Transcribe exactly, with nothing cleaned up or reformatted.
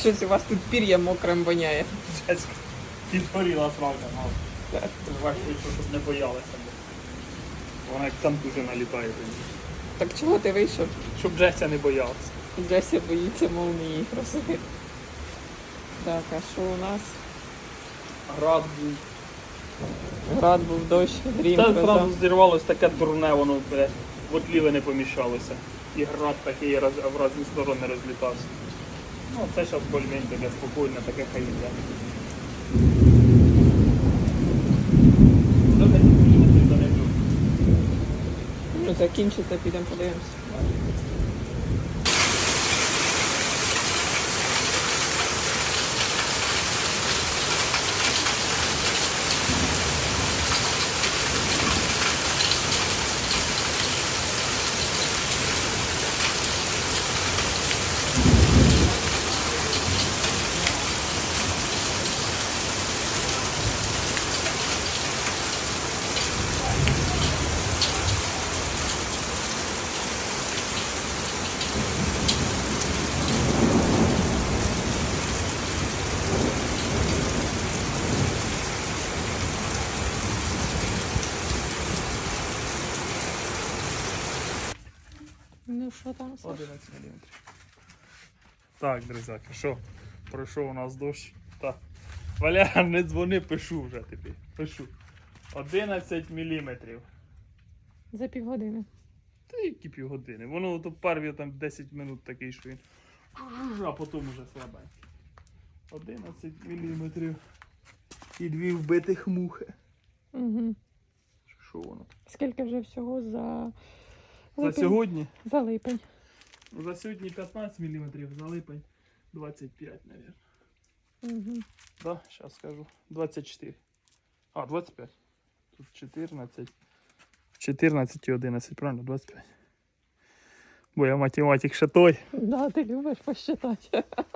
щось у вас тут пір'я мокрим воняє. Джеська підгоріла срака, мав. Так. Важко, щоб не боялася. Вона як там дуже налітає тоді. Так чого ти вийшов? Щоб Джеся не боялася. Джеся боїться молнії красиві. Так, а що у нас? Град був. Град був, дощ, грім, Та гроза. одразу зірвалось таке дурне, воно блядь, в отліви не поміщалося. І град такий роз, в різні сторони розлітався. Ну, це зараз більш-менш таке спокійне, таке хай йде. До десять міліметрів то не дуже. Ну, закінчиться, підемо подивимося. Ну що там, Саш? одинадцять міліметрів. Так, друзяки, що? Пройшов у нас дощ. Так. Валяр, не дзвони, пишу вже тобі. Пишу. одинадцять міліметрів. За півгодини. Та які півгодини. Воно то перві там десять минут такий, що він. А потім уже слабенький. одинадцять міліметрів. І дві вбитих мухи. Угу. Що воно? Скільки вже всього за... За липень? сьогодні? За липень. За сьогодні п'ятнадцять міліметрів, за липень двадцять п'ять, мабуть. Угу. Да, зараз скажу. двадцять чотири. А, двадцять п'ять. Тут чотирнадцять. чотирнадцять і одинадцять, правильно? двадцять п'ять. Бо я математик ще той. Да, ти любиш посчитати.